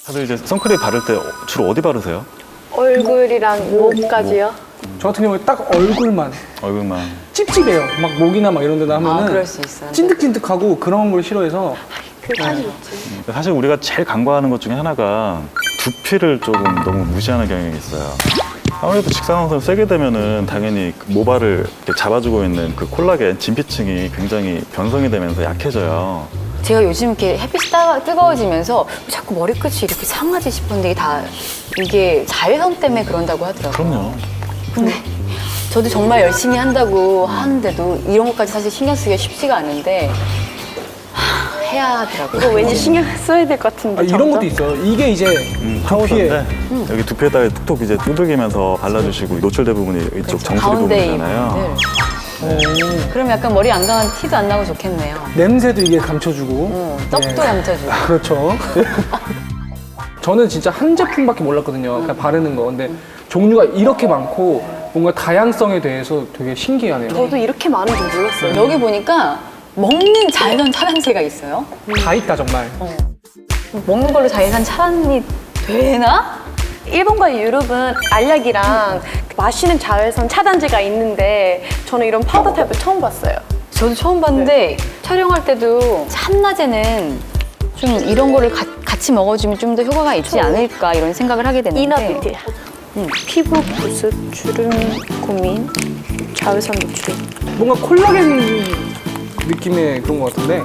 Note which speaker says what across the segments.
Speaker 1: 다들 이제 선크림 바를 때 주로 어디 바르세요?
Speaker 2: 얼굴이랑 목까지요?
Speaker 3: 저 같은 경우에 딱 얼굴만
Speaker 1: 얼굴만.
Speaker 3: 찝찝해요. 막 목이나 막 이런 데다 하면은
Speaker 4: 그럴 수 있어요.
Speaker 3: 찐득찐득하고 그런 걸 싫어해서
Speaker 2: 그 사실 있지.
Speaker 1: 사실 우리가 제일 간과하는 것 중에 하나가 두피를 조금 너무 무시하는 경향이 있어요. 아무래도 직사광선을 세게 되면은 당연히 그 모발을 이렇게 잡아주고 있는 그 콜라겐 진피층이 굉장히 변성이 되면서 약해져요.
Speaker 4: 제가 요즘 이렇게 햇빛이 뜨거워지면서 자꾸 머리끝이 이렇게 상하지 싶은데 이게 자외선 때문에 그런다고 하더라고요.
Speaker 1: 그럼요.
Speaker 4: 근데 저도 정말 열심히 한다고 하는데도 이런 것까지 사실 신경 쓰기가 쉽지가 않은데 해야 하더라고요.
Speaker 2: 이거 왠지 신경 써야 될 것 같은데.
Speaker 3: 이런 것도 있어요. 이게 이제 두피에
Speaker 1: 파우더인데 여기 두피에다가 툭툭 이제 두들기면서 발라주시고 노출된 부분이 이쪽 정수리
Speaker 4: 가운데
Speaker 1: 부분이잖아요.
Speaker 4: 그럼 약간 머리 안 강한 티도 안 나고 좋겠네요.
Speaker 3: 냄새도 이게 감춰주고
Speaker 4: 떡도 감춰주고.
Speaker 3: 그렇죠. 저는 진짜 한 제품밖에 몰랐거든요. 그냥 바르는 거. 근데 종류가 이렇게 많고 뭔가 다양성에 대해서 되게 신기하네요.
Speaker 2: 저도 이렇게 많은 줄 몰랐어요.
Speaker 4: 여기 보니까 먹는 자외선 차단제가 있어요.
Speaker 3: 다 있다 정말.
Speaker 4: 먹는 걸로 자외선 차단이 되나?
Speaker 2: 일본과 유럽은 알약이랑 마시는 자외선 차단제가 있는데 저는 이런 파우더 타입을 처음 봤어요.
Speaker 4: 저도 처음 봤는데 촬영할 때도 한낮에는 좀 이런 거를 같이 먹어주면 좀 더 효과가 있지 않을까 이런 생각을 하게 됐는데
Speaker 2: 이너뷰티. 피부 보습, 주름 고민, 자외선 노출.
Speaker 3: 뭔가 콜라겐 느낌의 그런 것 같은데.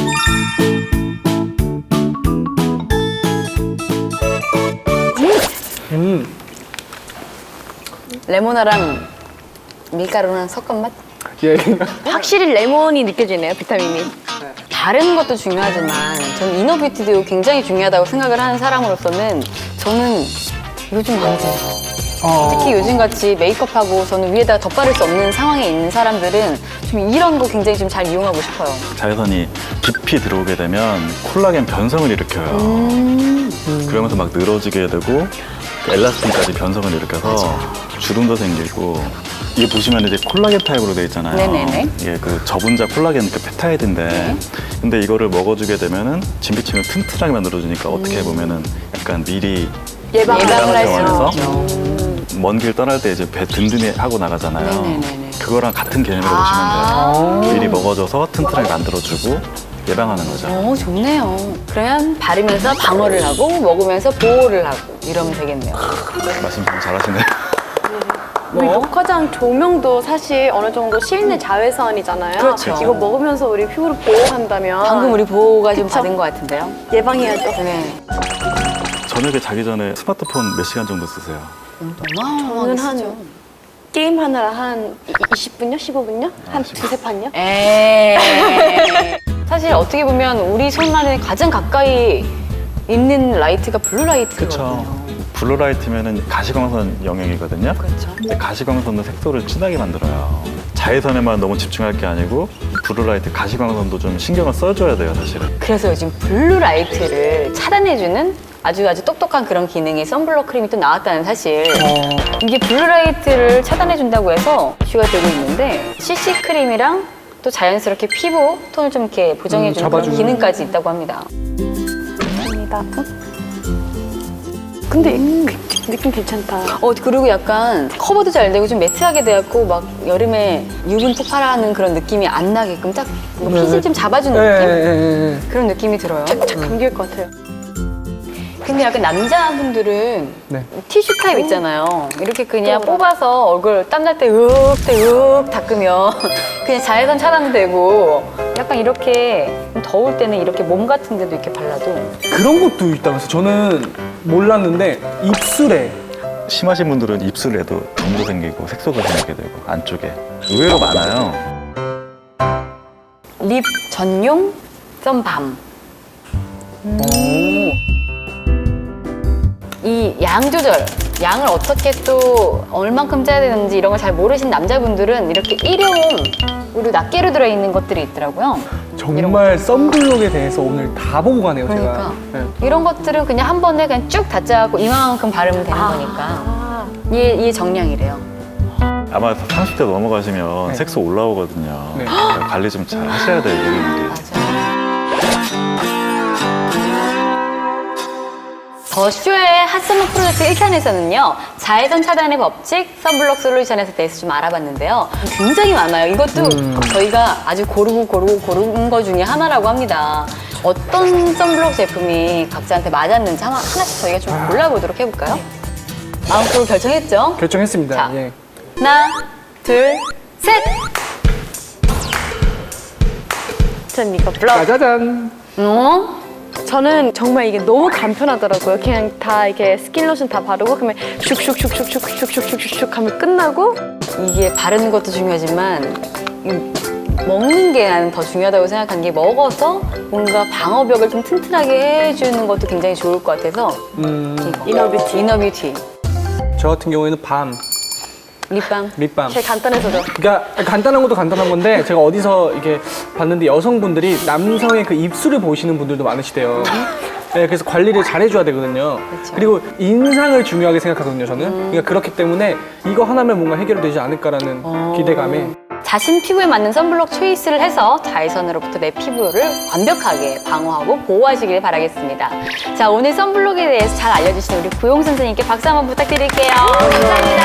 Speaker 4: 레모나랑 밀가루랑 섞은 맛?
Speaker 3: 예.
Speaker 2: 확실히 레몬이 느껴지네요, 비타민이.
Speaker 4: 다른 것도 중요하지만 저는 이너뷰티도 굉장히 중요하다고 생각을 하는 사람으로서는 저는 요즘 안 돼요. 특히 요즘같이 메이크업하고 저는 위에다가 덧바를 수 없는 상황에 있는 사람들은 좀 이런 거 굉장히 좀 잘 이용하고 싶어요.
Speaker 1: 자외선이 깊이 들어오게 되면 콜라겐 변성을 일으켜요. 그러면서 막 늘어지게 되고 그 엘라스틴까지 변성을 일으켜서 주름도 생기고 이게 보시면 이제 콜라겐 타입으로 되어 있잖아요.
Speaker 4: 네네네.
Speaker 1: 이게 그 저분자 콜라겐 그 펩타이드인데 근데 이거를 먹어주게 되면은 진피층을 튼튼하게 만들어주니까 어떻게 보면은 약간 미리
Speaker 4: 예방을 할 수
Speaker 1: 병원에서
Speaker 4: 있죠.
Speaker 1: 먼 길 떠날 때 이제 배 든든히 하고 나가잖아요.
Speaker 4: 네네네네.
Speaker 1: 그거랑 같은 개념으로 보시면 돼요. 미리 먹어줘서 튼튼하게 만들어주고 예방하는 거죠.
Speaker 4: 좋네요. 그러면 바르면서 방어를 하고 먹으면서 보호를 하고 이러면 되겠네요.
Speaker 1: 말씀 좀 잘하시네요.
Speaker 2: 우리 녹화장 조명도 사실 어느 정도 실내 자외선이잖아요.
Speaker 4: 그렇죠.
Speaker 2: 이거 먹으면서 우리 피부를 보호한다면
Speaker 4: 방금 우리 보호가 좀
Speaker 2: 그쵸?
Speaker 4: 받은 것 같은데요.
Speaker 2: 예방해야죠.
Speaker 4: 네.
Speaker 1: 저녁에 자기 전에 스마트폰 몇 시간 정도 쓰세요?
Speaker 4: 어마어마하게
Speaker 2: 저는 한
Speaker 4: 쓰죠.
Speaker 2: 게임 하느라 한 20분요? 15분요? 한 두세 판요?
Speaker 4: 에이. 사실 어떻게 보면 우리 손 안에 가장 가까이 있는 라이트가 블루라이트거든요.
Speaker 1: 블루라이트면은 가시광선 영역이거든요.
Speaker 4: 그렇죠.
Speaker 1: 근데 가시광선도 색소를 진하게 만들어요. 자외선에만 너무 집중할 게 아니고 블루라이트, 가시광선도 좀 신경을 써줘야 돼요, 사실은.
Speaker 4: 그래서 요즘 블루라이트를 차단해주는 아주 똑똑한 그런 기능이 선블록 크림이 또 나왔다는 사실. 이게 블루라이트를 차단해준다고 해서 이슈가 되고 있는데 CC 크림이랑 또 자연스럽게 피부 톤을 좀 이렇게 보정해주는 그런
Speaker 3: 잡아주는.
Speaker 4: 기능까지 있다고 합니다.
Speaker 2: 감사합니다. 근데 느낌 괜찮다.
Speaker 4: 그리고 약간 커버도 잘 되고 좀 매트하게 돼갖고 막 여름에 유분 폭발하는 그런 느낌이 안 나게끔 딱 핏을 좀 잡아주는 느낌? 그런 느낌이 들어요.
Speaker 2: 착 감길 것 같아요.
Speaker 4: 근데 약간 남자분들은
Speaker 3: 네.
Speaker 4: 티슈 타입 있잖아요. 이렇게 그냥 뽑아서 얼굴 땀날 때 으윽 닦으면 그냥 자외선 차단되고 약간 이렇게 더울 때는 이렇게 몸 같은 데도 이렇게 발라도
Speaker 3: 그런 것도 있다면서 저는 몰랐는데 입술에
Speaker 1: 심하신 분들은 입술에도 점도 생기고 색소가 생기게 되고 안쪽에 의외로 많아요.
Speaker 4: 립 전용 썸밤. 이 양 조절, 양을 어떻게 또 얼만큼 짜야 되는지 이런 걸 잘 모르신 남자분들은 이렇게 일회용으로 낱개로 들어있는 것들이 있더라고요.
Speaker 3: 정말 썬블록에 대해서 오늘 다 보고 가네요,
Speaker 4: 그러니까
Speaker 3: 제가.
Speaker 4: 이런 것들은 그냥 한 번에 그냥 쭉 다 짜고 이만큼 바르면 되는 거니까 이게 정량이래요.
Speaker 1: 아마 30대 넘어가시면
Speaker 3: 네.
Speaker 1: 색소 올라오거든요.
Speaker 3: 네.
Speaker 1: 관리 좀 잘 하셔야 돼요, 이분들이.
Speaker 4: 맞아요. 더쇼의 핫서머 프로젝트 1탄에서는요, 자외선 차단의 법칙, 선블록 솔루션에 대해서 좀 알아봤는데요. 굉장히 많아요. 이것도 저희가 아주 고른 거 중에 하나라고 합니다. 어떤 선블록 제품이 각자한테 맞았는지 하나씩 저희가 좀 골라보도록 해볼까요? 마음속으로 결정했죠?
Speaker 3: 결정했습니다.
Speaker 4: 자.
Speaker 3: 예.
Speaker 4: 하나, 둘, 셋!
Speaker 2: 전 이거 블럭.
Speaker 3: 짜자잔.
Speaker 2: 저는 정말 이게 너무 간편하더라고요. 그냥 다 이렇게 스킨로션 다 바르고 그러면 슉슉슉슉슉슉슉슉슉 하면 끝나고.
Speaker 4: 이게 바르는 것도 중요하지만 먹는 게 나는 더 중요하다고 생각한 게 먹어서 뭔가 방어벽을 좀 튼튼하게 해주는 것도 굉장히 좋을 것 같아서 이너뷰티. 이너뷰티.
Speaker 3: 저 같은 경우에는 밤,
Speaker 4: 립밤.
Speaker 3: 립밤.
Speaker 2: 제일 간단해서죠.
Speaker 3: 그러니까 간단한 것도 간단한 건데 제가 어디서 이게 봤는데 여성분들이 남성의 그 입술을 보시는 분들도 많으시대요. 네, 그래서 관리를 잘 해줘야 되거든요.
Speaker 4: 그렇죠.
Speaker 3: 그리고 인상을 중요하게 생각하거든요, 저는. 그러니까 그렇기 때문에 이거 하나면 뭔가 해결되지 않을까라는 기대감에.
Speaker 4: 자신 피부에 맞는 선블록 초이스를 해서 자외선으로부터 내 피부를 완벽하게 방어하고 보호하시길 바라겠습니다. 자, 오늘 선블록에 대해서 잘 알려주신 우리 구용 선생님께 박수 한번 부탁드릴게요. 감사합니다.